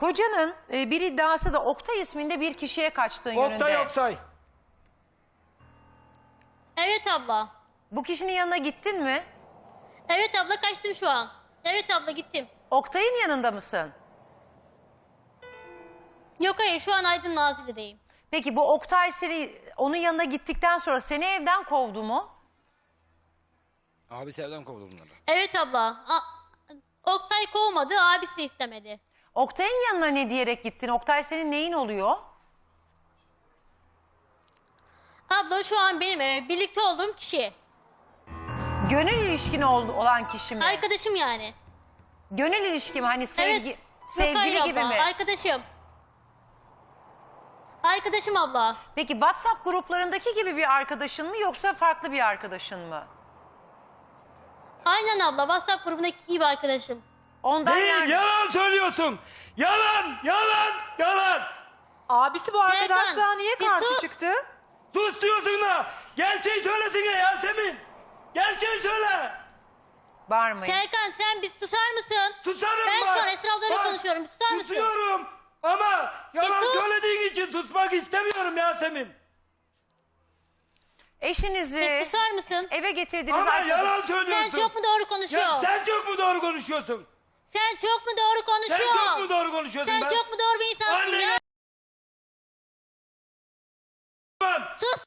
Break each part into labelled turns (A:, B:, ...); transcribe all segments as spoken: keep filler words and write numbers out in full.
A: Kocanın e, bir iddiası da Oktay isminde bir kişiye kaçtığın yönünde.
B: Oktay Oksay.
C: Evet abla.
A: Bu kişinin yanına gittin mi?
C: Evet abla, kaçtım şu an. Evet abla, gittim.
A: Oktay'ın yanında mısın?
C: Yok hayır, şu an Aydın Nazilli'deyim.
A: Peki bu Oktay seni onun yanına gittikten sonra seni evden kovdu mu?
B: Abi sevden kovdu bunları.
C: Evet abla. A- Oktay kovmadı, abisi istemedi.
A: Oktay'ın yanına ne diyerek gittin? Oktay senin neyin oluyor?
C: Abla şu an benim e, birlikte olduğum kişi.
A: Gönül ilişkin ol- olan kişi mi?
C: Arkadaşım yani.
A: Gönül ilişki mi? Hani sevgi,
C: Evet.
A: sevgili
C: Yok, hayır
A: gibi
C: abla,
A: mi?
C: Arkadaşım. Arkadaşım abla.
A: Peki WhatsApp gruplarındaki gibi bir arkadaşın mı yoksa farklı bir arkadaşın mı?
C: Aynen abla, WhatsApp grubundaki gibi arkadaşım.
A: Ondan
B: Değil,
A: yani-
B: yalan söylüyorsun. Yalan, yalan, yalan.
D: Abisi bu arkadaşlığa
C: Serkan,
D: niye
C: bir
D: karşı
C: sus.
D: çıktı?
B: Sus diyorsun da. Gerçeği söylesene Yasemin. Gerçeği söyle.
A: Bağırmayın.
C: Serkan, sen bir susar mısın?
B: Susarım
C: Ben
B: bak.
C: şu an Esra ablayla
B: Bak,
C: konuşuyorum. Susar mısın?
B: Susuyorum. Ama yalan
C: sus.
B: söylediğin için susmak istemiyorum Yasemin.
A: Eşinizi
C: Bir susar mısın?
A: eve getirdiğiniz
B: Ama
A: arkadaş...
B: yalan söylüyorsun.
C: Sen çok mu doğru
B: Ya
C: konuşuyorsun?
B: sen çok mu doğru konuşuyorsun?
C: Sen çok mu doğru
B: Sen
C: konuşuyorsun?
B: çok mu doğru konuşuyorsun?
C: Sen
B: ben?
C: çok mu doğru bir insansın
B: Annene-
C: ya?
B: Ben
C: Sus!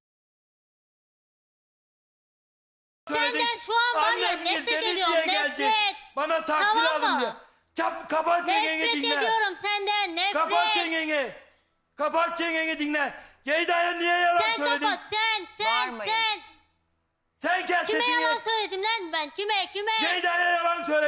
B: söyledim.
C: Senden şu an var ya,
B: Annem
C: nefret
B: Denizli'ye
C: ediyorum,
B: geldi.
C: nefret.
B: Bana taksi
C: Tamam
B: lazım
C: mı?
B: diyor. Kap, kapat çengeni
C: Nefret
B: dinle.
C: ediyorum senden, nefret.
B: Kapat çengeni. Kapat çengeni dinle. Ceyda'ya niye yalan
C: Sen
B: söyledin?
C: kapat, sen, sen,
A: Bağırmayın.
C: sen.
B: Sen kes
C: Kime
B: sesini.
C: yalan söyledim lan ben? Kime, kime?
B: Ceyda'ya yalan söyledin.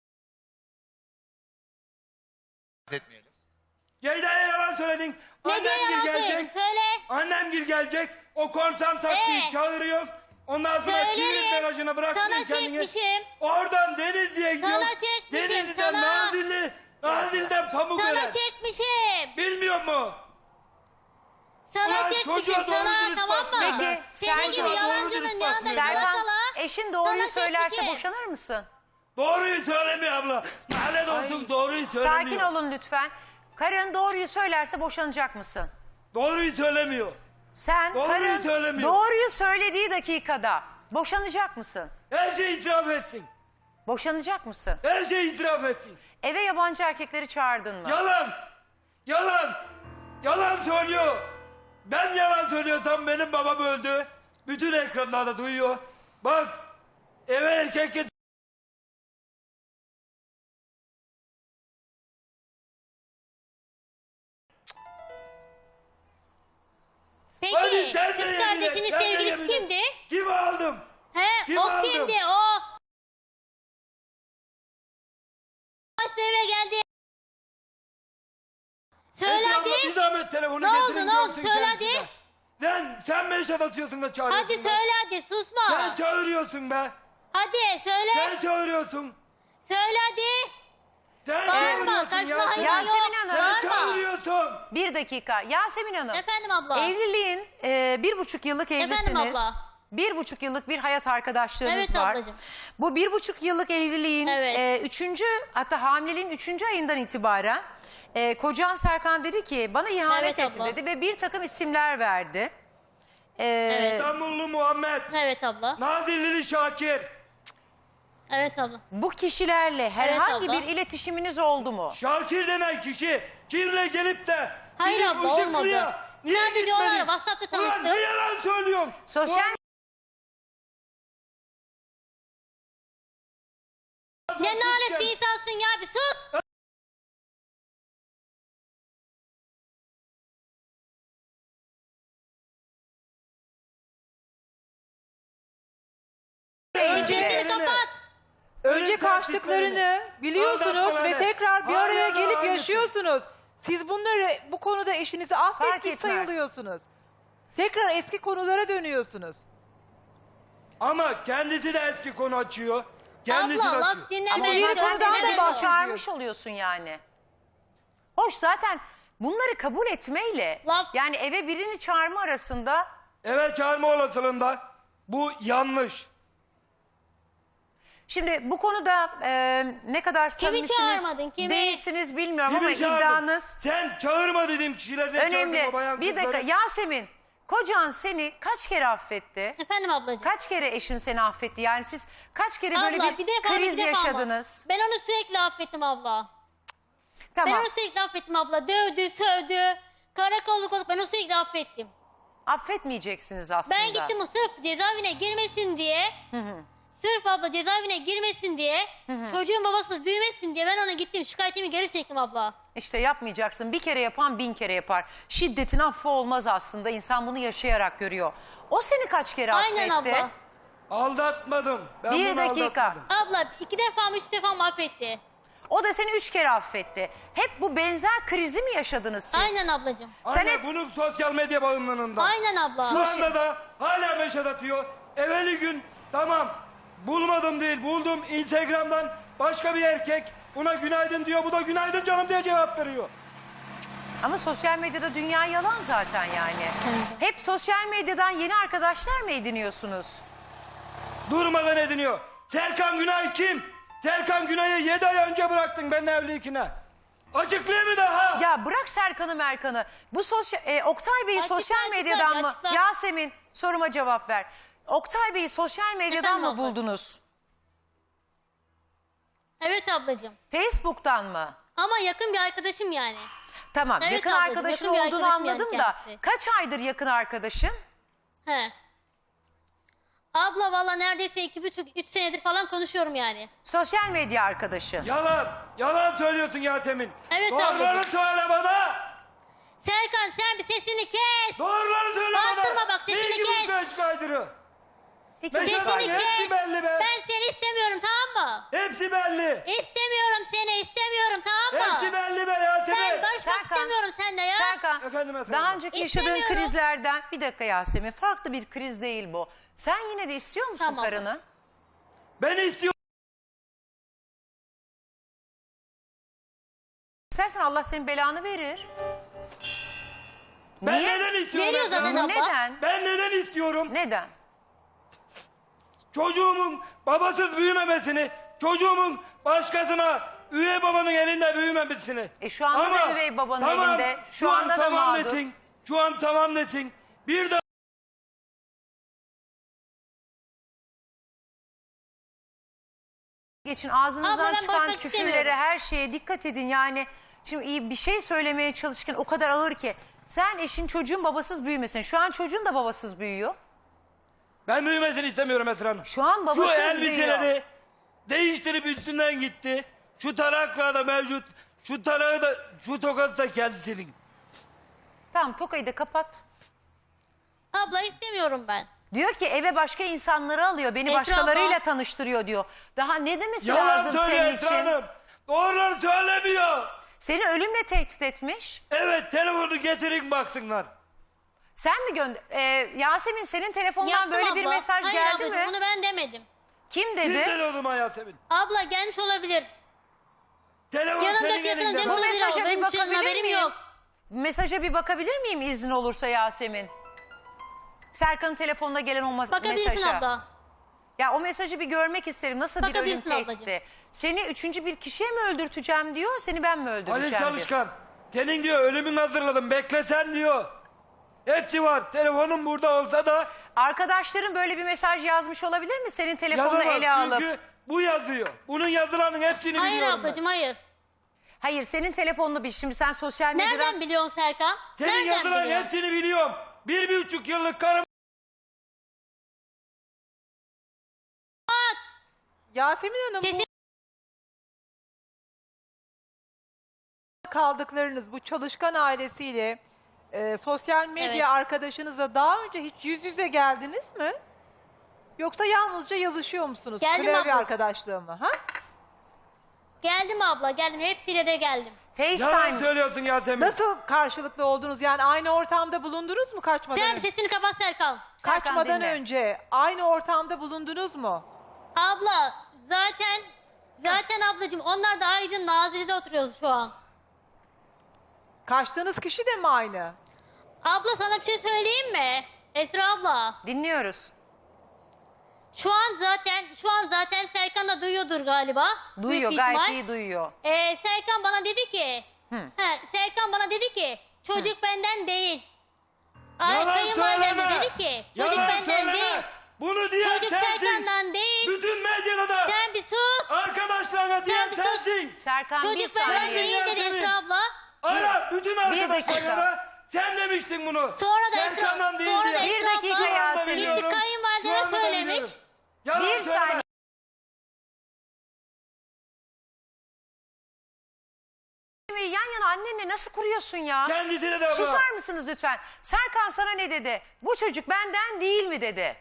E: etmeyelim.
B: Ceyda'ya yalan söyledin.
C: Ne diye
B: Annem
C: yalan
B: gel
C: söyledim?
B: gelecek.
C: Söyle.
B: Annem gel gelecek. O korsan taksiyi
C: Ee?
B: çağırıyor. Ondan sonra Kilit
C: Söylerim.
B: garajına bırakmıyor
C: Sana
B: kendini.
C: çekmişim.
B: Oradan Denizli'ye gidiyor.
C: Sana çekmişim,
B: Denizli'den
C: sana.
B: Nazilli. Nazilli'den Pamuköre.
C: Sana çekmişim.
B: Bilmiyor mu?
C: Sana
B: Ulan
C: çekmişim
B: çocuğa doğru
C: sana,
B: dürüst
C: tamam
B: bak
C: mı?
B: be.
A: Peki,
C: Senin
A: sen-
C: gibi
B: Çocuğa doğru
C: yalancının
B: dürüst
C: yanında
B: bak be.
A: Serkan,
C: yuvasala.
A: eşin doğruyu
C: Sana
A: söylerse
C: çekmişim.
A: boşanır mısın?
B: Doğruyu söylemiyor abla. Lanet olsun doğruyu söylemiyor.
A: Sakin olun lütfen. Karın doğruyu söylerse boşanacak mısın?
B: Doğruyu söylemiyor.
A: Sen
B: Doğruyu
A: karın
B: söylemiyor.
A: doğruyu söylediği dakikada boşanacak mısın?
B: Her şeyi itiraf etsin.
A: Boşanacak mısın?
B: Her şeyi itiraf etsin.
A: Eve yabancı erkekleri çağırdın mı?
B: Yalan. Yalan. Yalan söylüyor. Ben yalan söylüyorsam benim babam öldü. Bütün ekranlarda duyuyor. Bak eve erkek get-
C: Peki
B: Hadi sen de
C: kız
B: yemin et,
C: kardeşinin
B: sen de
C: sevgilisi
B: yemin et.
C: kimdi?
B: Kimi aldım?
C: He,
B: Kim
C: o
B: aldı?
C: kimdi o? Başta eve geldi.
B: Esra abla,
C: Söyledi.
B: bir zahmet telefonu
C: Ne oldu,
B: getirin,
C: ne oldu?
B: görsün
C: Söyle
B: kendisi
C: hadi.
B: de. Sen, sen beni şatatıyorsun da çağırıyorsun.
C: Hadi
B: be.
C: söyle hadi, susma.
B: Sen çağırıyorsun be.
C: Hadi söyle.
B: Sen çağırıyorsun.
C: Söyle hadi.
B: Sen
C: Bağırma,
B: çağırıyorsun
C: karşına
B: ya.
C: hayvan
A: Yasemin
C: yok.
A: Hanım.
B: Sen
C: Bağırma.
B: çağırıyorsun.
A: Bir dakika. Yasemin Hanım.
C: Efendim abla.
A: Evliliğin e, bir buçuk yıllık
C: Efendim
A: evlisiniz.
C: abla.
A: Bir buçuk yıllık bir hayat arkadaşlığınız
C: Evet
A: var.
C: ablacığım.
A: Bu bir buçuk yıllık evliliğin
C: Evet.
A: e, üçüncü hatta hamileliğin üçüncü ayından itibaren e, kocan Serkan dedi ki bana ihanet
C: Evet
A: etti
C: abla.
A: dedi ve bir takım isimler verdi. E,
C: Evet.
B: İstanbullu Muhammed.
C: Evet abla.
B: Nazillili Şakir.
C: Evet abla.
A: Bu kişilerle herhangi
C: abla.
A: bir iletişiminiz oldu mu?
B: Şakir denen kişi kimle gelip de
C: Hayır
B: bizim
C: abla,
B: Işıklı'ya
C: olmadı.
B: niye
C: Sadece
B: gitmedin?
C: onlarla WhatsApp'ta
B: Ulan
C: tanıştık.
B: ne yalan söylüyorsun?
A: Sosyal
C: Ne lanet bir insansın ya, bir sus. Sesini kapat.
D: Önce
B: Ölüm
D: kaçtıklarını biliyorsunuz
B: aldatmaları,
D: ve tekrar bir
B: hala
D: araya
B: da
D: gelip
B: aynısı.
D: yaşıyorsunuz. Siz bunları bu konuda eşinizi
A: Fark
D: affetmiş
A: etmez.
D: sayılıyorsunuz. Tekrar eski konulara dönüyorsunuz.
B: Ama kendisi de eski konu açıyor. Kendisi
C: Abla
B: de
C: bak
B: açıyor.
A: Ama
C: dinleme.
A: o
D: yeni
A: zaman sen
D: konudan da
A: beni
D: bahsediyor.
A: çağırmış oluyorsun yani. Hoş zaten bunları kabul etmeyle
C: Bak-
A: yani eve birini çağırma arasında
B: Eve çağırma olasılığında bu yanlış.
A: Şimdi bu konuda e, ne kadar samimisiniz
C: çağırmadın, kimi?
A: değilsiniz bilmiyorum ama
B: Kimi çağırdın?
A: iddianız
B: Sen çağırma dediğim kişilerden
A: önemli.
B: çağırdın o bayan
A: Bir dakika
B: kızları.
A: Yasemin, kocan seni kaç kere affetti?
C: Efendim ablacığım.
A: Kaç kere eşin seni affetti? Yani siz kaç kere böyle
C: Abla,
A: bir,
C: bir defa
A: kriz
C: bir defa ama.
A: yaşadınız?
C: Ben onu sürekli affettim abla. Ben
A: Tamam.
C: onu sürekli affettim abla. Dövdü, sövdü. Karakolluk olup ben onu sürekli affettim.
A: Affetmeyeceksiniz aslında.
C: Ben gittim sırf cezaevine girmesin diye. Sırf abla cezaevine girmesin diye. Çocuğun babasız büyümesin diye ben ona gittim. Şikayetimi geri çektim abla.
A: İşte yapmayacaksın. Bir kere yapan bin kere yapar. Şiddetin affı olmaz aslında. İnsan bunu yaşayarak görüyor. O seni kaç kere
C: Aynen
A: affetti?
C: abla.
B: Aldatmadım. Ben
A: Bir
B: bunu
A: dakika.
B: aldatmadım.
C: Abla iki defa mı üç defa mı affetti?
A: O da seni üç kere affetti. Hep bu benzer krizi mi yaşadınız siz?
C: Aynen ablacığım.
A: Sen
B: Anne
A: hep-
B: bunun sosyal medya bağımlılığından.
C: Aynen abla.
B: Şu anda da hala meşat atıyor. Evveli gün tamam bulmadım değil buldum Instagram'dan başka bir erkek buna günaydın diyor. Bu da günaydın canım diye cevap veriyor.
A: Ama sosyal medyada dünya yalan zaten yani. Hep sosyal medyadan yeni arkadaşlar mı ediniyorsunuz?
B: Durmadan ediniyor. Serkan Günay kim? Serkan Günay'ı yedi ay önce bıraktın benimle evliyken. Açıklayayım mı daha?
A: Ya bırak Serkan'ı Merkan'ı. Bu sosyal e, Oktay Bey'i
C: Açıkla,
A: sosyal
C: açıkla,
A: medyadan mı?
C: açıkla.
A: Yasemin soruma cevap ver. Oktay Bey'i sosyal medyadan
C: Efendim
A: mı
C: abla?
A: buldunuz?
C: Evet ablacığım.
A: Facebook'tan mı?
C: Ama yakın bir arkadaşım yani.
A: Tamam,
C: Evet
A: yakın
C: ablacığım,
A: arkadaşın
C: yakın bir
A: olduğunu
C: arkadaşım yani
A: anladım da
C: kendisi.
A: kaç aydır yakın arkadaşın?
C: He. Abla valla neredeyse iki buçuk, üç senedir falan konuşuyorum yani.
A: Sosyal medya arkadaşın.
B: Yalan. Yalan söylüyorsun Yasemin.
C: Evet
B: Doğruları
C: ablacığım.
B: söyle bana.
C: Serkan sen bir sesini kes.
B: Doğruları söyle bana.
C: Bağırtırma bak, sesini
B: Bir, iki,
C: kes.
B: üç, beş kaydırı.
A: İki
B: Beş
A: buçuk
B: ay.
A: ay.
C: Sesini
B: hepsi
C: kes.
B: belli be.
C: Ben seni istemiyorum tamam mı?
B: Hepsi belli.
C: İstemiyorum seni istemiyorum tamam mı?
B: Hepsi belli be Yasemin.
C: Ben barışmak
A: Serkan.
C: istemiyorum seninle ya.
A: Serkan,
B: Efendim, efendim.
A: daha önceki yaşadığın
C: İstemiyorum.
A: krizlerden bir dakika Yasemin, farklı bir kriz değil bu. Sen yine de istiyor musun
C: Tamam.
A: karını?
B: Beni istiyor.
A: İstersen Allah senin belanı verir.
B: Ben
A: Niye?
B: neden istiyorum?
C: Veriyor
B: Esra
C: zaten
B: Hanım?
C: abla.
A: Neden?
B: Ben neden istiyorum?
A: Neden?
B: Çocuğumun babasız büyümemesini, çocuğumun başkasına üvey babanın elinde büyümemesini.
A: E şu anda da üvey babanın elinde, şu
B: Şu an
A: anda da
B: tamam
A: mağdur.
B: desin. Şu an tamam desin. Bir de
A: Geçin ağzınızdan
C: Abla, ben
A: çıkan
C: barışmak
A: küfürlere,
C: istemiyorum.
A: her şeye dikkat edin. Yani şimdi iyi bir şey söylemeye çalışırken o kadar ağır ki. Sen eşin çocuğun babasız büyümesin. Şu an çocuğun da babasız büyüyor.
B: ben büyümesini istemiyorum Esra Hanım.
A: Şu an
B: Şu
A: babasız büyüyor.
B: elbiseleri değiştirip üstünden gitti. Şu taraklar da mevcut. Şu tarağı da, şu tokası da kendisinin.
A: Tamam, tokayı da kapat.
C: Abla istemiyorum ben.
A: Diyor ki eve başka insanları alıyor. Beni
C: Esra
A: başkalarıyla
C: abla.
A: tanıştırıyor diyor. Daha ne demesi
B: Yalan
A: lazım
B: söylüyor
A: senin
B: Esra
A: için?
B: Hanım. Doğruları söylemiyor.
A: Seni ölümle tehdit etmiş.
B: Evet, telefonu getirin baksınlar.
A: Sen mi gönder... Ee, Yasemin, senin telefondan
C: Yaptım
A: böyle bir
C: abla.
A: mesaj
C: Hayır
A: geldi
C: ablacığım,
A: mi?
C: bunu ben demedim.
A: Kim
B: Kim
A: dedi?
B: telefonuma Yasemin?
C: Abla gelmiş olabilir.
B: Telefon senin
C: Yanımdaki yakının
B: elinde.
C: demiş
A: Bu
C: olabilir
A: mesaja
C: ama
A: bir
C: benim için
A: bakabilir
C: haberim
A: miyim?
C: yok.
A: Mesaja bir bakabilir miyim izin olursa Yasemin? Serkan'ın telefonuna gelen o mas-
C: Bakabilirsin
A: mesaja.
C: abla.
A: Ya o mesajı bir görmek isterim. Nasıl bir ölüm
C: Bakabilirsin
A: tehdidi?
C: ablacığım.
A: Seni üçüncü bir kişiye mi öldürteceğim diyor, seni ben mi
B: Halil
A: öldüreceğim diyor.
B: Çalışkan, senin diyor ölümün hazırladım, beklesen diyor. Hepsi var, telefonum burada olsa da
A: Arkadaşların böyle bir mesaj yazmış olabilir mi? Senin telefonunu
B: yazamaz.
A: ele alıp.
B: Çünkü bu yazıyor. Bunun yazılanın hepsini
C: Hayır
B: biliyorum
C: ablacığım hayır.
A: Hayır, senin telefonunu bir şimdi sen sosyal medyadan...
C: Nereden biliyorsun Serkan?
B: ben. Senin
C: Nereden
B: yazılanın
C: biliyorsun?
B: hepsini biliyorum. Bir, bir buçuk yıllık karım.
D: Yasemin Hanım,
C: Sesi-
D: bu kaldıklarınız bu çalışkan ailesiyle e, sosyal medya
C: Evet.
D: arkadaşınızla daha önce hiç yüz yüze geldiniz mi? Yoksa yalnızca yazışıyor musunuz?
C: Geldim
D: Klavye
C: ablacığım.
D: arkadaşlığı mı? Ha?
C: Geldim abla geldim. Hepsiyle de geldim.
B: Yalan
A: FaceTime.
B: söylüyorsun Yasemin.
D: Nasıl karşılıklı oldunuz? Yani aynı ortamda bulundunuz mu kaçmadan
C: Sen
D: önce?
C: sesini kapat Serkan.
A: Serkan
D: Kaçmadan
A: dinle.
D: önce aynı ortamda bulundunuz mu?
C: Abla zaten zaten ablacığım onlar da Aydın Nazilli'de oturuyoruz şu an.
D: Kaçtığınız kişi de mi aynı?
C: Abla sana bir şey söyleyeyim mi? Esra abla.
A: Dinliyoruz.
C: Şu an zaten şu an zaten Serkan da duyuyordur galiba.
A: Duyuyor,
C: Büyük bir
A: gayet
C: ihtimal.
A: iyi duyuyor.
C: Ee, Serkan bana dedi ki he, Serkan bana dedi ki çocuk benden değil. Ay,
B: Yalan
C: kayınvalidem de
B: söyleme.
C: dedi ki çocuk
B: Yalan
C: benden
B: söyleme.
C: değil.
B: Bunu diyen
C: Çocuk
B: sensin.
C: Serkan'dan değil.
B: Bütün medyada da
C: Sen bir sus.
B: arkadaşlarına diyen
C: bir sus.
B: sensin.
A: Serkan bir
C: Çocuk benden
A: saniye.
C: değil dedi
B: Yasemin.
C: Esra abla.
B: Ara bütün
A: dakika.
B: arkadaşlarına sen demiştin bunu.
C: Sonra da
B: Serkan'dan
C: Esra,
B: değil
C: sonra da
B: diye.
A: Bir
C: Esra
A: dakika
C: abla
A: Yasemin.
C: gitti
B: Şu anda
C: kayınvalideme
B: da
C: söylemiş.
B: biliyorum. Yalan
A: Bir
B: söyleme.
A: saniye. Yan yana annenle nasıl kuruyorsun ya?
B: Kendisine de bak.
A: Susar mısınız lütfen? Serkan sana ne dedi? Bu çocuk benden değil mi dedi?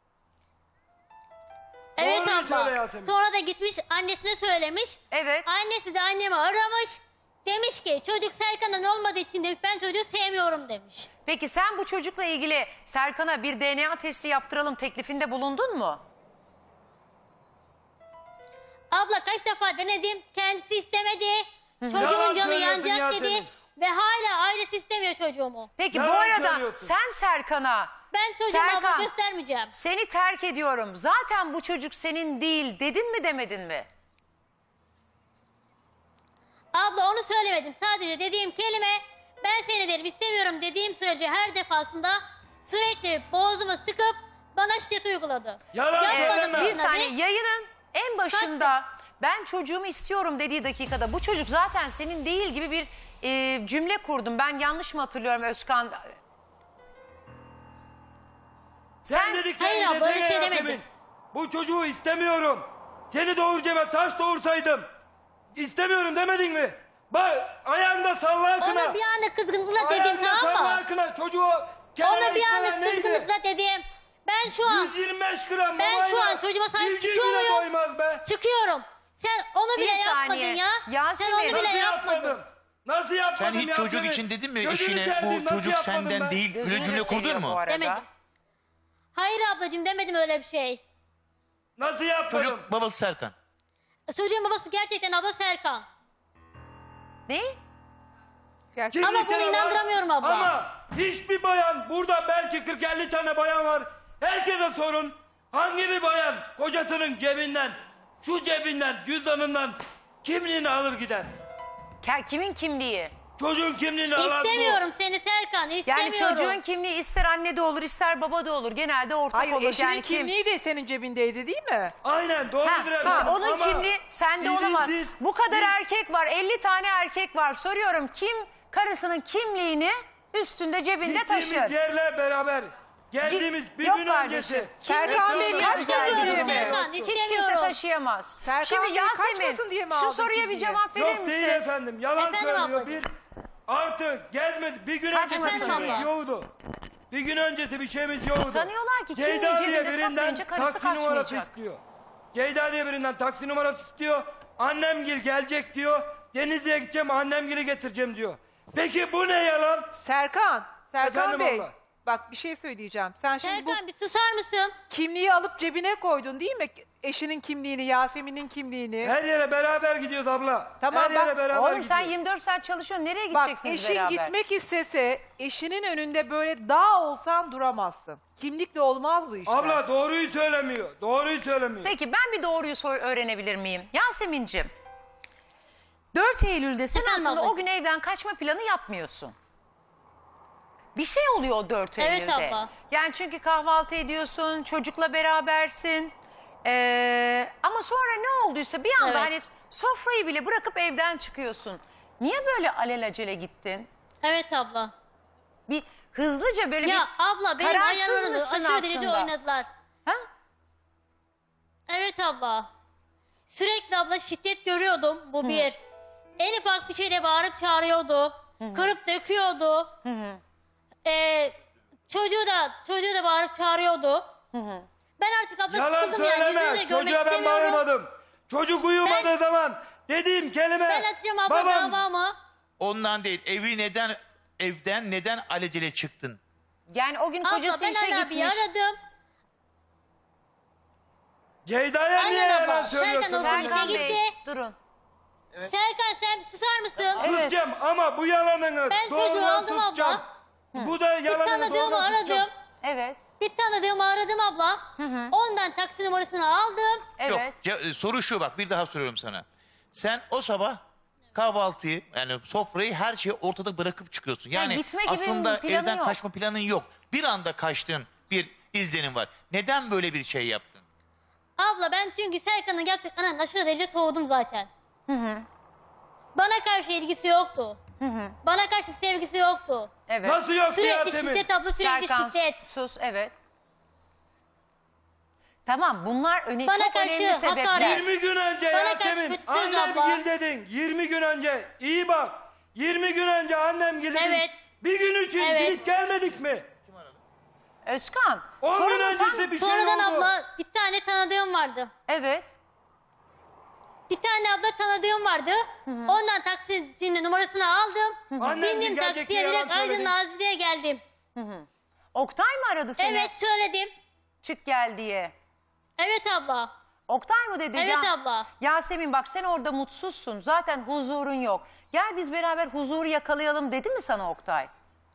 C: Evet
B: Doğruyu söyle
C: abla.
B: Yasemin.
C: Sonra da gitmiş annesine söylemiş.
A: Evet.
C: Annesi de annemi aramış. Demiş ki çocuk Serkan'dan olmadığı için demiş ben çocuğu sevmiyorum demiş.
A: Peki sen bu çocukla ilgili Serkan'a bir D N A testi yaptıralım teklifinde bulundun mu?
C: Abla kaç defa denedim. Kendisi istemedi. Çocuğumun
B: Yalan
C: canı
B: söylüyorsun
C: yanacak
B: Yasemin.
C: dedi. Ve hala ailesi istemiyor çocuğumu.
A: Peki bu
B: Yalan
A: arada
B: söylüyorsun.
A: sen Serkan'a
C: Ben çocuğuma abla
A: Serkan,
C: göstermeyeceğim.
A: seni terk ediyorum. Zaten bu çocuk senin değil dedin mi demedin mi?
C: Abla onu söylemedim. Sadece dediğim kelime ben seni derim istemiyorum dediğim sürece her defasında sürekli boğazımı sıkıp bana şiddet uyguladı.
B: Yalan
C: Yapmadım
B: söyleme.
C: dedim
A: Bir saniye
C: hadi.
A: yayının en başında ben çocuğumu istiyorum dediği dakikada bu çocuk zaten senin değil gibi bir e, cümle kurdum. Ben yanlış mı hatırlıyorum Özkan?
B: Sen,
A: Sen-
B: dediklerini
C: Hayır abla,
B: desene
C: öyle şey
B: Yasemin.
C: demedim.
B: Bu çocuğu istemiyorum. Seni doğuracağıma taş doğursaydım. İstemiyorum demedin mi? Bak ayağında salla akına.
C: Ona bir anlık kızgınlıkla dedim
B: Ayağında
C: tamam
B: salla
C: mı?
B: akına. Çocuğu kenara
C: Ona bir
B: itmene
C: anlık
B: neydi?
C: kızgınlıkla dedim. Ben şu an
B: yüz yirmi beş gram
C: Ben
B: babayla
C: şu an çocuğuma sahip
B: civciv
C: çıkıyor
B: bile
C: muyum?
B: doymaz be.
C: çıkıyorum. Sen onu bile
A: Bir
C: yapmadın
A: saniye.
C: ya.
A: Yasemin.
C: Sen onu bile
B: Nasıl
C: yapmadın.
B: yapmadım? Nasıl yapmadım
E: Sen hiç çocuk
B: Yasemin?
E: için dedin mi
B: Gözünü
E: eşine
B: seveyim,
E: bu
B: nasıl
E: çocuk
B: yapmadım
E: senden
B: ben?
E: değil böyle
A: Gözünü
E: cümle
A: de
E: kurdun
A: seviyor bu
E: mu?
A: arada.
C: Demedim. Hayır ablacığım demedim öyle bir şey.
B: Nasıl yapmadım?
E: Çocuk babası Serkan.
C: Çocuğun babası gerçekten abla Serkan.
A: Ne?
D: Gerçekten.
C: Ama
B: Kimlikleri
C: bunu
B: var.
C: inandıramıyorum abla.
B: Ama hiçbir bayan burada belki kırk elli tane bayan var. Herkese sorun. Hangi bir bayan kocasının cebinden, şu cebinden, cüzdanından kimliğini alır gider?
A: Ke- Kimin kimliği?
B: Çocuğun kimliğini alan
C: İstemiyorum seni Serkan istemiyorum.
A: Yani çocuğun kimliği ister anne de olur ister baba da olur. Genelde ortak
D: Hayır
A: olur.
D: eşinin
A: Yani kim?
D: kimliği de senin cebindeydi değil mi?
B: bu. Aynen doğrudur
A: Ha,
B: efendim.
A: işte onun
B: Ama
A: kimliği sende olamaz.
B: izinsiz-
A: Bu kadar erkek var. elli tane erkek var. Soruyorum kim karısının kimliğini üstünde cebinde
B: Gittiğimiz
A: taşır?
B: yerler beraber. Geldiğimiz bir
A: Yok
B: gün
A: kardeşim.
B: öncesi.
D: Serkan Bey
A: Kim
D: kaç
A: güzel
D: yıl
A: bir
D: önce
A: mi?
C: Serkan,
A: Hiç
C: istemiyorum.
A: kimse taşıyamaz.
D: Serkan
A: Şimdi
D: Bey
A: Yasemin
D: kaçmasın diye mi
A: şu
D: aldı
A: soruya bir
D: kimliği?
A: cevap verir
B: Yok
A: misin?
B: değil efendim. Yalan
C: Efendim
B: söylüyor.
C: ablacığım.
B: Bir artı gelmedi. Bir gün öncesi bir
A: Kaçmasın
B: şeyimiz
C: diye.
B: yoktu. Bir gün öncesi bir şeyimiz yoktu.
A: Sanıyorlar ki kimliği
B: Ceyda diye
A: cebinde
B: birinden
A: saklayınca karısı
B: taksi numarası
A: kaçmayacak.
B: istiyor. Ceyda diye birinden taksi numarası istiyor. Annemgil gelecek diyor. Denizli'ye gideceğim annemgili getireceğim diyor. Peki bu ne yalan?
D: Serkan, Serkan
B: Efendim
D: Bey.
B: abla.
D: Bak bir şey söyleyeceğim. Sen şimdi bu
C: Serkan bir susar mısın?
D: kimliği alıp cebine koydun değil mi? Eşinin kimliğini, Yasemin'in kimliğini.
B: Her yere beraber gidiyoruz abla.
D: Tamam,
B: Her yere
D: bak-
B: beraber
A: Oğlum
B: gidiyoruz.
A: sen yirmi dört saat çalışıyorsun. Nereye
D: Bak
A: gideceksiniz
D: eşin
A: beraber?
D: gitmek istese eşinin önünde böyle dağ olsan duramazsın. Kimlikle olmaz bu işler.
B: Abla doğruyu söylemiyor. Doğruyu söylemiyor.
A: Peki ben bir doğruyu sor öğrenebilir miyim? Yasemin'cim dört Eylül'de sen
C: Efendim
A: aslında o
C: ablacığım.
A: gün evden kaçma planı yapmıyorsun. Bir şey oluyor o dört
C: Evet
A: Eylül'de.
C: abla.
A: Yani çünkü kahvaltı ediyorsun, çocukla berabersin. Ee, ama sonra ne olduysa bir anda
C: Evet.
A: hani sofrayı bile bırakıp evden çıkıyorsun. Niye böyle alelacele gittin?
C: Evet abla.
A: Bir hızlıca böyle
C: Ya
A: bir
C: abla benim
A: kararsız
C: ayarlarımı
A: mısın
C: aşırı derece
A: aslında?
C: oynadılar.
A: Ha?
C: Evet abla. Sürekli abla şiddet görüyordum bu bir. En ufak bir şeyle bağırıp çağırıyordu. Kırıp döküyordu. Ee, çocuğu da çocuğu da bağırıp çağırıyordu. Ben artık abla
B: Yalan
C: sıkıldım yani yüzünü de
B: söyleme.
C: görmek
B: Çocuğa ben
C: istemiyorum.
B: bağırmadım. Çocuk uyumadığı
C: Ben-
B: zaman dediğim kelime.
C: Ben açacağım abla
B: babam,
C: davamı.
E: Ondan değil. Evi neden evden neden alelacele çıktın?
A: Yani o gün
C: Abla
A: kocası
C: ben
A: işe
C: Ali abiyi
A: gitmiş.
C: aradım.
B: Ceyda'ya niye
C: Aynen
B: yalan
C: abla.
B: söylüyorsun?
C: Serkan okul işe
A: Serkan
C: gitti.
A: Bey durun.
C: Serkan sen bir susar mısın?
A: Evet.
B: Susacağım ama bu yalanını
C: Ben çocuğu
B: doğrudan
C: aldım
B: susacağım.
C: abla.
B: Bu da
C: Bir
B: yalanını
C: tanıdığımı
B: doğrudan
C: aradım.
B: susacağım.
A: Evet.
C: Bir tanıdığımı aradım abla. Ondan taksi numarasını aldım.
A: Evet.
E: Yok, ce- e, soru şu, bak bir daha soruyorum sana. Sen o sabah kahvaltıyı, yani sofrayı, her şeyi ortada bırakıp çıkıyorsun. Yani
A: gitme gibi
E: aslında
A: planı
E: evden
A: yok.
E: kaçma planın yok. Bir anda kaçtığın bir izlenim var. Neden böyle bir şey yaptın?
C: Abla ben çünkü Serkan'ın gerçekten aşırı derece soğudum zaten. Bana karşı ilgisi yoktu. Bana karşı bir sevgisi yoktu.
A: Evet.
B: Nasıl yok
C: Sürekli
B: Yasemin?
C: şiddet abla, sürekli
A: Serkan
C: şiddet.
A: sus, evet. Tamam, bunlar öne
C: Bana
A: çok
C: karşı
A: önemli sebepler.
C: hakaret.
B: yirmi gün önce
C: Bana karşı
B: Yasemin
C: kötü söz
B: annem
C: abla.
B: gil dedin. yirmi gün önce iyi bak. yirmi gün önce annem gil dedin.
C: Evet.
B: Bir gün için
C: Evet.
B: gidip gelmedik mi?
A: Özkan,
B: on gün
A: sorunun tam...
B: öncesi bir şey
C: Sonradan
B: oldu.
C: abla bir tane tanıdığım vardı.
A: Evet.
C: Bir tane abla tanıdığım vardı. Ondan taksicinin numarasını aldım.
B: Annem
C: Bindim
B: gelecek
C: taksiye
B: diye yalan
C: direkt Aydın
B: söyledin.
C: Nazilli'ye geldim.
A: Oktay mı aradı seni?
C: Evet söyledim.
A: Çık gel diye.
C: Evet abla.
A: Oktay mı dedi?
C: Evet abla.
A: Yasemin bak sen orada mutsuzsun. Zaten huzurun yok. Gel biz beraber huzuru yakalayalım dedi mi sana Oktay?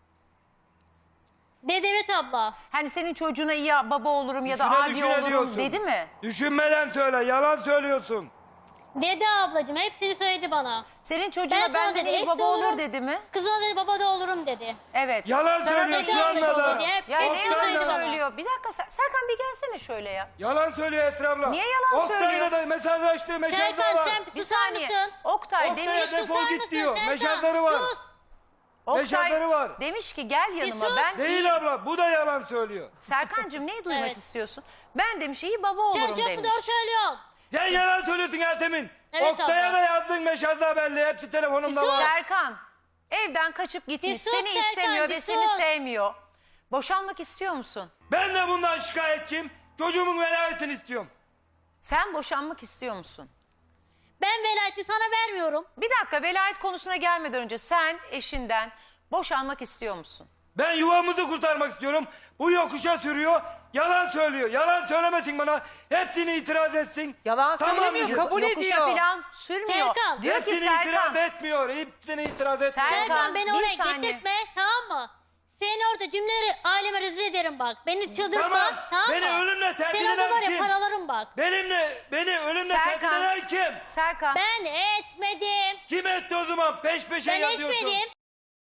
C: Dedi evet abla.
A: Hani senin çocuğuna iyi baba olurum ya da
B: Düşüne
A: abi
B: düşüne
A: olurum
B: diyorsun.
A: dedi mi?
B: Düşünmeden söyle, yalan söylüyorsun.
C: Dedi ablacığım, hepsini söyledi bana.
A: Senin çocuğuna
C: Ben sana
A: benden
C: dedi
A: iyi
C: eş
A: baba
C: de
A: olur
C: olurum.
A: dedi mi?
C: Kızına dedi baba da olurum dedi.
A: Evet.
B: Yalan
A: Sana
B: söylüyor
A: dedi
B: şu
A: öyle
B: anda da.
C: dedi. Hep,
A: Ya
C: hep
A: ne
C: bunu
A: yalan
C: söyledi bana.
A: söylüyor? Bir dakika Ser- Serkan bir gelsene şöyle ya.
B: Yalan söylüyor Esra abla.
A: Niye yalan söylüyor?
B: Oktay'la da mesajlaştığı meşazları
C: Serkan
B: var.
C: sen bir
A: Bir
C: susar
A: saniye.
C: mısın?
A: Oktay
B: Oktay'a
A: demiş,
B: defol
C: Susar
B: git
C: mısın
B: diyor.
C: Serkan?
B: Meşazları var.
C: Sus.
A: Oktay
B: meşazları var.
A: demiş ki gel yanıma.
C: sus.
A: Ben iyi...
B: Değil abla, bu da yalan söylüyor.
A: Serkancığım neyi duymak
C: Evet.
A: istiyorsun? Ben demiş iyi baba olurum
C: Sen çok mu
A: demiş.
C: doğru söylüyorsun?
B: Sen yalan söylüyorsun Yasemin.
C: Evet
B: Oktay'a
C: abla.
B: da yazdın meşaz haberli. Hepsi telefonumda
C: Bir sus.
B: var.
A: Serkan evden kaçıp gitmiş.
C: Bir sus
A: Seni
C: Serkan,
A: istemiyor
C: bir
A: ve seni
C: sus.
A: sevmiyor. Boşanmak istiyor musun?
B: Ben de bundan şikayetçiyim. Çocuğumun velayetini istiyorum.
A: Sen boşanmak istiyor musun?
C: Ben velayeti sana vermiyorum.
A: Bir dakika velayet konusuna gelmeden önce sen eşinden boşanmak istiyor musun?
B: Ben yuvamızı kurtarmak istiyorum. Bu yokuşa sürüyor. Yalan söylüyor. Yalan söylemesin bana. Hepsini itiraz etsin.
D: Yalan söylemiyor,
B: diyor.
D: kabul
A: Yokuşa
D: ediyor.
A: falan sürmüyor.
C: Serkan.
A: Diyor ki
B: Hepsini itiraz
A: Serkan.
B: etmiyor. Hepsini itiraz etmiyor.
A: Serkan,
C: Serkan beni
A: bir
C: oraya
A: saniye.
C: getirtme, tamam mı? Seni orada cümleleri aileme rezil ederim bak. Beni çıldırtma,
B: Tamam,
C: tamam,
B: beni
C: mı?
B: ölümle tehdit
C: Seni orada
B: eden
C: var ya
B: kim?
C: paralarım bak.
B: Benimle, beni ölümle tehdit
A: Serkan.
B: eden kim?
A: Serkan.
C: Ben etmedim.
B: Kim etti o zaman? Peş peşe
C: Ben
B: yazıyorsun.
C: etmedim.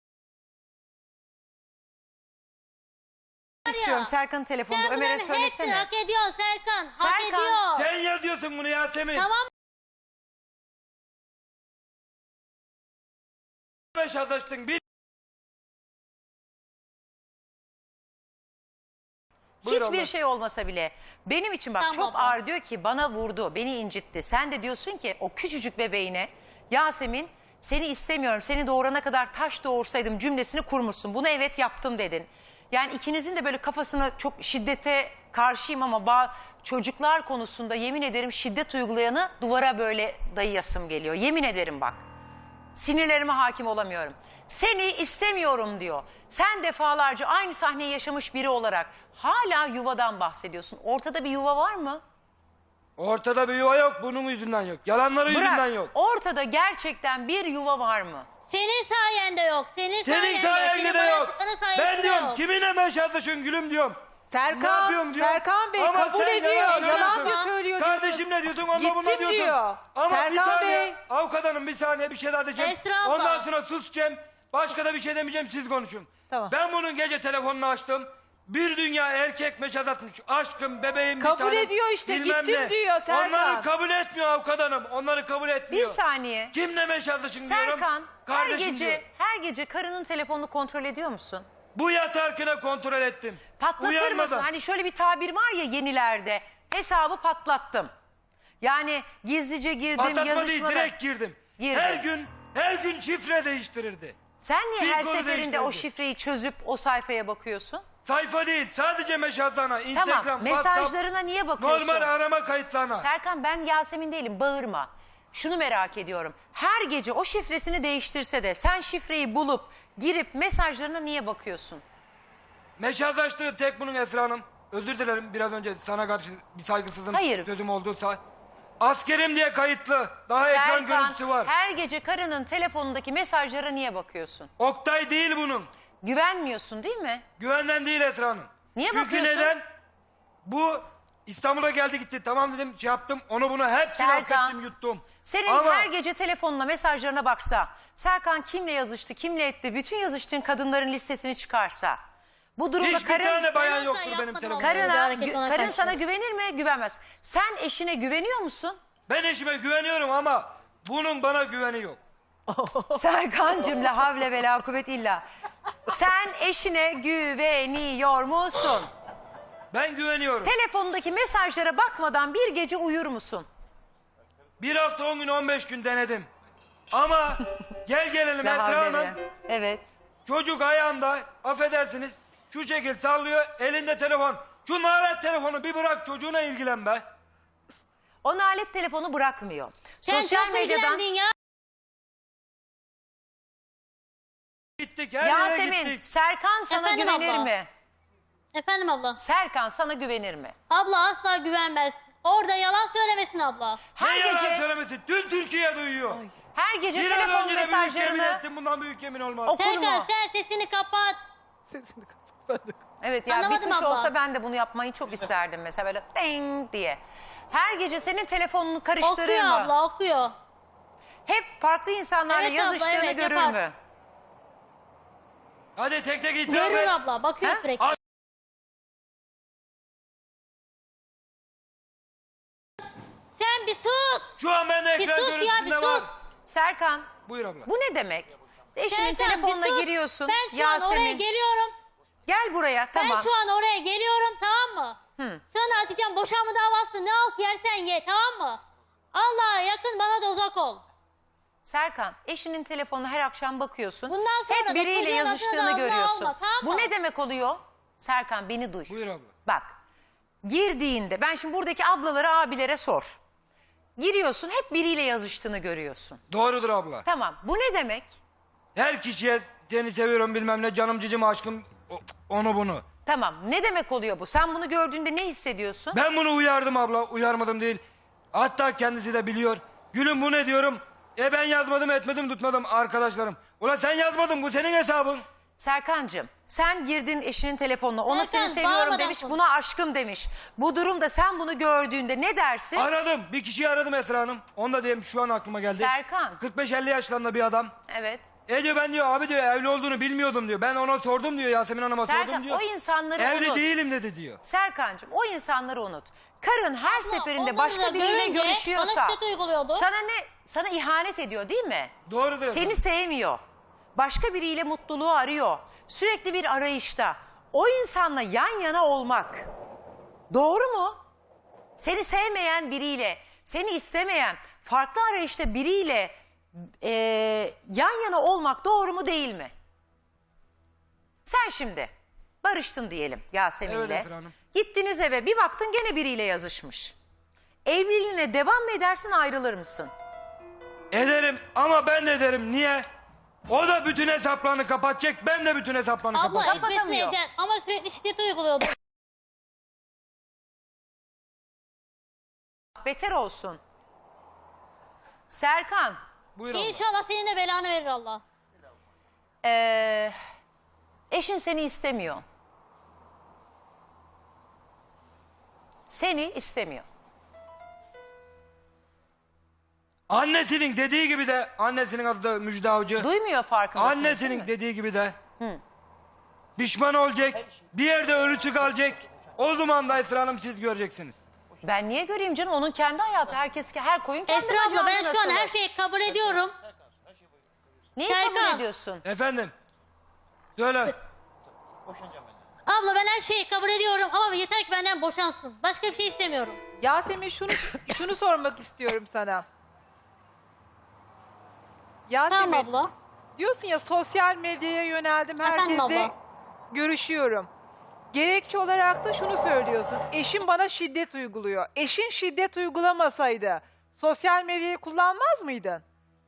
A: istiyorum Serkan'ın telefonunu
C: Sen
A: Ömer'e
C: bunların hepsini
A: söylesene.
C: hak ediyorsun Serkan. Hak
A: Serkan,
C: ediyor.
B: Sen yazıyorsun bunu Yasemin.
C: Tamam.
B: Meşazlaştın. Bir... Buyur
A: Hiçbir
B: abla.
A: şey olmasa bile benim için bak
C: Tamam
A: çok
C: abla.
A: ağır diyor ki bana vurdu, beni incitti. Sen de diyorsun ki o küçücük bebeğine Yasemin seni istemiyorum, seni doğurana kadar taş doğursaydım cümlesini kurmuşsun. Bunu evet yaptım dedin. Yani ikinizin de böyle kafasına çok şiddete karşıyım ama ba- çocuklar konusunda yemin ederim şiddet uygulayanı duvara böyle dayayasım geliyor. Yemin ederim bak. Sinirlerime hakim olamıyorum. Seni istemiyorum diyor. Sen defalarca aynı sahneyi yaşamış biri olarak hala yuvadan bahsediyorsun. Ortada bir yuva var mı?
B: Ortada bir yuva yok. Bunun yüzünden yok. Yalanları yüzünden
A: Bırak.
B: yok.
A: Ortada gerçekten bir yuva var mı?
C: Senin sayende yok. Senin,
B: Senin
C: sayende,
B: sayende
C: senin
B: de yok.
C: hayatlıkların sayesinde
B: Ben diyorum
C: yok.
B: kiminle meşazlaşın gülüm diyorum. Ne
D: Serkan,
B: yapıyorum diyorum.
D: Serkan Bey
B: Ama
D: kabul
B: sen
D: ediyor.
B: yalan
D: Yalan
B: söylüyorsun.
D: diyor, söylüyor. diyorsun.
B: Kardeşim ne diyorsun onunla
D: Gittim
B: buna diyorsun.
D: diyor.
B: Ama bir
D: Serkan
B: saniye
D: Bey.
B: avukat hanım bir saniye bir şey daha diyeceğim.
C: Esra abla.
B: Ondan sonra susacağım. Başka da bir şey demeyeceğim siz konuşun.
D: Tamam.
B: Ben bunun gece telefonunu açtım. Bir dünya erkek meşaz atmış. Aşkım bebeğim
D: Kabul
B: bir tanem.
D: ediyor işte,
B: bilmem
D: gittim
B: ne.
D: diyor Serkan.
B: Onları kabul etmiyor avukat hanım. Onları kabul
A: Bir
B: etmiyor.
A: saniye.
B: Kimle meşazlaşın diyorum.
A: Serkan her
B: Kardeşim
A: gece
B: diyor.
A: her gece karının telefonunu kontrol ediyor musun?
B: Bu yatarkine kontrol ettim.
A: Patlatır
B: Uyanmadan.
A: mısın? Hani şöyle bir tabir var ya yenilerde. Hesabı patlattım. Yani gizlice girdim,
B: Patlatma değil
A: yazışmadan.
B: direkt girdim.
A: Girdi.
B: Her gün her gün şifre değiştirirdi.
A: Sen niye
B: Bir
A: her
B: konu
A: seferinde o
B: değiştirdi.
A: şifreyi çözüp o sayfaya bakıyorsun?
B: Sayfa değil sadece meşazlarına. Instagram,
A: Tamam,
B: WhatsApp,
A: mesajlarına niye bakıyorsun?
B: normal arama kayıtlarına.
A: Serkan ben Yasemin değilim, bağırma. Şunu merak ediyorum. Her gece o şifresini değiştirse de sen şifreyi bulup girip mesajlarına niye bakıyorsun?
B: Meşazlaştığı tek bunun Esra Hanım. Özür dilerim biraz önce sana karşı bir saygısızım
A: Hayır.
B: sözüm olduysa. Askerim diye kayıtlı. Daha ekran
A: Serkan
B: görüntüsü var.
A: her gece karının telefonundaki mesajlara niye bakıyorsun?
B: Oktay değil bunun.
A: Güvenmiyorsun değil mi?
B: Güvenden değil Esra Hanım.
A: Niye
B: Çünkü
A: bakıyorsun?
B: neden? Bu İstanbul'a geldi gitti. Tamam dedim şey yaptım. Onu bunu hepsini
A: Serkan,
B: affettim yuttum.
A: Senin
B: Ama
A: her gece telefonuna, mesajlarına baksa, Serkan kimle yazıştı, kimle etti, bütün yazıştığın kadınların listesini çıkarsa, bu durumda
B: hiçbir
A: karın,
B: tane bayan
C: Ben
B: yoktur
C: asla
B: benim
C: yapmadım
B: telefonumda.
C: Böyle bir
A: karına,
C: hareket
A: gü-
C: ona
A: karın
C: karşı.
A: sana güvenir mi? Güvenmez. Sen eşine güveniyor musun?
B: Ben eşime güveniyorum ama bunun bana güveni yok.
A: Serkancığım la havle ve la kuvvet illa. Sen eşine güveniyor musun?
B: Ben güveniyorum.
A: Telefonundaki mesajlara bakmadan bir gece uyur musun?
B: Bir hafta on gün on beş gün denedim. Ama gel gelelim
A: La
B: Esra
A: havle
B: Hanım.
A: ve- Evet.
B: Çocuk ayağında affedersiniz şu şekil sallıyor elinde telefon. Şu nalet telefonu bir bırak çocuğuna ilgilen be.
A: O nalet telefonu bırakmıyor.
C: Sen
A: Sosyal
C: çok
A: medyadan
C: ilgilendin ya.
B: Gittik her yere
A: Yasemin,
B: gittik.
A: Serkan sana
C: Efendim
A: güvenir
C: abla?
A: mi?
C: Efendim abla.
A: Serkan sana güvenir mi?
C: Abla asla güvenmez. Orada yalan söylemesin abla.
A: Her
B: Ne yalan
A: gece
B: söylemesi tüm Türkiye duyuyor.
A: her gece
B: Bir an
A: telefon
B: önce de büyük yemin
A: mesajlarını
B: ettim bundan büyük yemin olmaz.
A: okur
C: Serkan
A: mu?
C: sen sesini kapat.
A: Evet ya bir
C: Anlamadım
A: tuş
C: abla.
A: olsa ben de bunu yapmayı çok isterdim mesela böyle ding diye. Her gece senin telefonunu karıştırır
C: Okuyor
A: mı?
C: abla okuyor.
A: Hep farklı insanlarla
C: Evet abla,
A: yazıştığını
C: evet,
A: görür
C: yapar.
A: mü?
B: Hadi tek tek itiraf
C: Görür
B: et.
C: abla bakıyor
A: Ha?
C: sürekli.
B: Al.
C: Sen bir sus.
B: Şu an bende
C: Bir
B: ekran
C: sus ya bir
B: görüntüsünde var.
C: sus.
A: Serkan
B: Buyur abla.
A: bu ne demek? Eşinin
C: Serkan,
A: telefonuna
C: bir sus.
A: giriyorsun.
C: Ben şu an oraya
A: Yasemin
C: geliyorum.
A: gel buraya tamam.
C: Ben şu an oraya geliyorum tamam mı?
A: Hı.
C: Sana açacağım boşanma davası ne alt yersen ye tamam mı? Allah'a yakın bana da uzak ol.
A: Serkan eşinin telefonuna her akşam bakıyorsun.
C: Bundan sonra
A: Hep
C: da
A: biriyle
C: çocuğun adını da
A: yazıştığını
C: ağzına
A: görüyorsun.
C: alma, tamam
A: Bu
C: mı?
A: ne demek oluyor? Serkan beni duy.
B: Buyur abla.
A: Bak girdiğinde ben şimdi buradaki ablalara abilere sor. Giriyorsun hep biriyle yazıştığını görüyorsun.
B: Doğrudur abla.
A: Tamam bu ne demek?
B: Her kişiye seni seviyorum bilmem ne canım cicim aşkım o- onu bunu.
A: Tamam ne demek oluyor bu? Sen bunu gördüğünde ne hissediyorsun?
B: Ben bunu uyardım abla uyarmadım değil. Hatta kendisi de biliyor. Gülüm bu ne diyorum. E ben yazmadım etmedim tutmadım arkadaşlarım. Ulan sen yazmadın bu senin hesabın.
A: Serkancığım sen girdin eşinin telefonuna ona
C: Serkan,
A: seni seviyorum
C: bağırmadan
A: demiş
C: konuş.
A: buna aşkım demiş. Bu durumda sen bunu gördüğünde ne dersin?
B: Aradım bir kişiyi aradım Esra Hanım. Onu da diyeyim şu an aklıma geldi.
A: Serkan.
B: kırk beş elli yaşlarında bir adam.
A: Evet.
B: E diyor ben diyor abi diyor evli olduğunu bilmiyordum diyor. Ben ona sordum diyor Yasemin Hanım'a sordum
A: Serkan
B: diyor.
A: o insanları
B: Evli
A: unut.
B: değilim dedi diyor.
A: Serkancığım o insanları unut. Karın her seferinde
C: onları
A: başka
C: da
A: biriyle
C: görünce
A: görüşüyorsa
C: bana şiddet uyguluyordu.
A: sana ne sana ihanet ediyor değil mi?
B: Doğrudur
A: Seni
B: efendim.
A: sevmiyor. Başka biriyle mutluluğu arıyor. Sürekli bir arayışta. O insanla yan yana olmak doğru mu? Seni sevmeyen biriyle, seni istemeyen, farklı arayışta biriyle e, yan yana olmak doğru mu değil mi? Sen şimdi barıştın diyelim Yasemin'le.
B: Evet Esra Hanım.
A: Gittiniz eve bir baktın gene biriyle yazışmış. Evliliğine devam mı edersin ayrılır mısın?
B: Ederim ama ben de ederim. Niye? O da bütün hesaplarını kapatacak. Ben de bütün hesaplarını
C: Abla
B: kapatacağım.
C: etmesine
A: Kapatamıyor.
C: eder ama sürekli şiddet uyguluyordu.
A: Beter olsun. Serkan,
B: Buyur abla.
C: İnşallah senin de belanı verir Allah.
A: ee, eşin seni istemiyor. Seni istemiyor.
B: Annesinin dediği gibi de annesinin adı da Müjde Avcı.
A: Duymuyor farkındasın. değil
B: Annesinin
A: mi?
B: dediği gibi de pişman olacak. Bir yerde ölüsü kalacak. O zaman da Esra Hanım siz göreceksiniz.
A: Ben niye göreyim canım? Onun kendi hayatı. Herkes her koyun kendi
C: Esra abla
A: bacağına
C: ben şu an
A: asılır.
C: her şeyi kabul ediyorum.
A: Neyi kabul
C: Serkan.
A: ediyorsun?
B: Efendim. Söyle.
C: Abla ben her şeyi kabul ediyorum ama yeter ki benden boşansın. Başka bir şey istemiyorum.
D: Yasemin şunu şunu sormak istiyorum sana. Yasemin
C: Tamam abla.
D: diyorsun ya sosyal medyaya yöneldim
C: Efendim
D: herkesle
C: abla.
D: görüşüyorum. Gerekçe olarak da şunu söylüyorsun. Eşim bana şiddet uyguluyor. Eşin şiddet uygulamasaydı sosyal medyayı kullanmaz mıydın?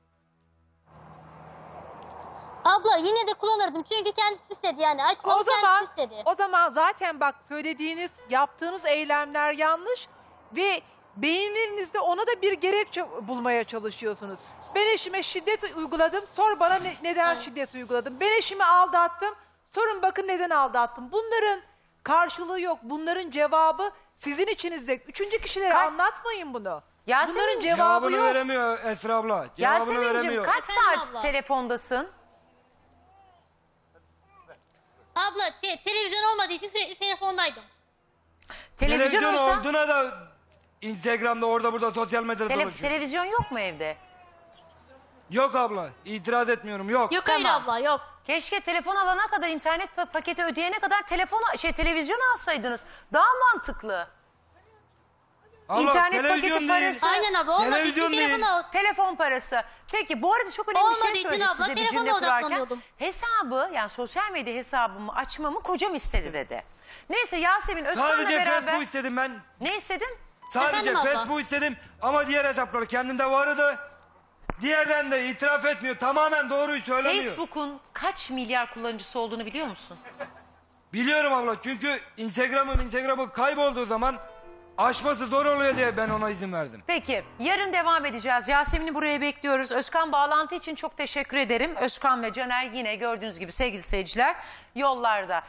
C: Abla yine de kullanırdım çünkü kendisi istedi yani açmamı
D: O zaman
C: kendisi istedi.
D: o zaman zaten bak söylediğiniz, yaptığınız eylemler yanlış ve beyinlerinizde ona da bir gerekçe bulmaya çalışıyorsunuz. Ben eşime şiddet uyguladım, sor bana ne- neden şiddet uyguladım. Ben eşimi aldattım, sorun bakın neden aldattım. Bunların Karşılığı yok. Bunların cevabı sizin içinizde. Üçüncü kişilere
A: Ka-
D: anlatmayın bunu.
A: Yasemin,
D: Bunların cevabı
B: Cevabını
D: yok.
B: veremiyor Esra abla. Cevabını
A: Yasemin'cim
B: veremiyor.
A: kaç
C: Efendim
A: saat
C: abla?
A: telefondasın?
C: Abla te- televizyon olmadığı için sürekli telefondaydım.
A: Televizyon,
B: Televizyon
A: olsa
B: olduğuna da Instagram'da orada burada sosyal medyada
A: tele-
B: dolaşıyor.
A: televizyon yok mu evde?
B: Yok abla. İtiraz etmiyorum. Yok.
C: Yok hayır
A: Tamam.
C: abla yok.
A: Keşke telefon alana kadar, internet pa- paketi ödeyene kadar telefon şey televizyon alsaydınız. Daha mantıklı.
B: Abla,
A: İnternet
B: televizyon
A: paketi
B: değil.
A: parası.
C: Aynen abla olmadığı için
B: Televizyon değil.
C: telefonu
A: Telefon parası. Peki bu arada çok önemli bir
C: Olmadığı
A: şey
C: için
A: söyledi
C: abla,
A: size bir
C: telefona
A: cümle kurarken.
C: odaklanıyordum.
A: Hesabı, yani sosyal medya hesabımı açmamı kocam istedi dedi. Neyse Yasemin Özkan'la
B: Sadece
A: beraber.
B: Facebook istedim ben.
A: Ne istedin?
B: Sadece
C: Efendim abla?
B: Facebook istedim ama diğer hesapları kendinde vardı. Diğerden de itiraf etmiyor. Tamamen doğruyu söylemiyor.
A: Facebook'un kaç milyar kullanıcısı olduğunu biliyor musun?
B: Biliyorum abla çünkü Instagram'ın Instagram'ı kaybolduğu zaman aşması zor oluyor diye ben ona izin verdim.
A: Peki yarın devam edeceğiz. Yasemin'i buraya bekliyoruz. Özkan bağlantı için çok teşekkür ederim. Özkan ve Caner yine gördüğünüz gibi sevgili seyirciler yollarda.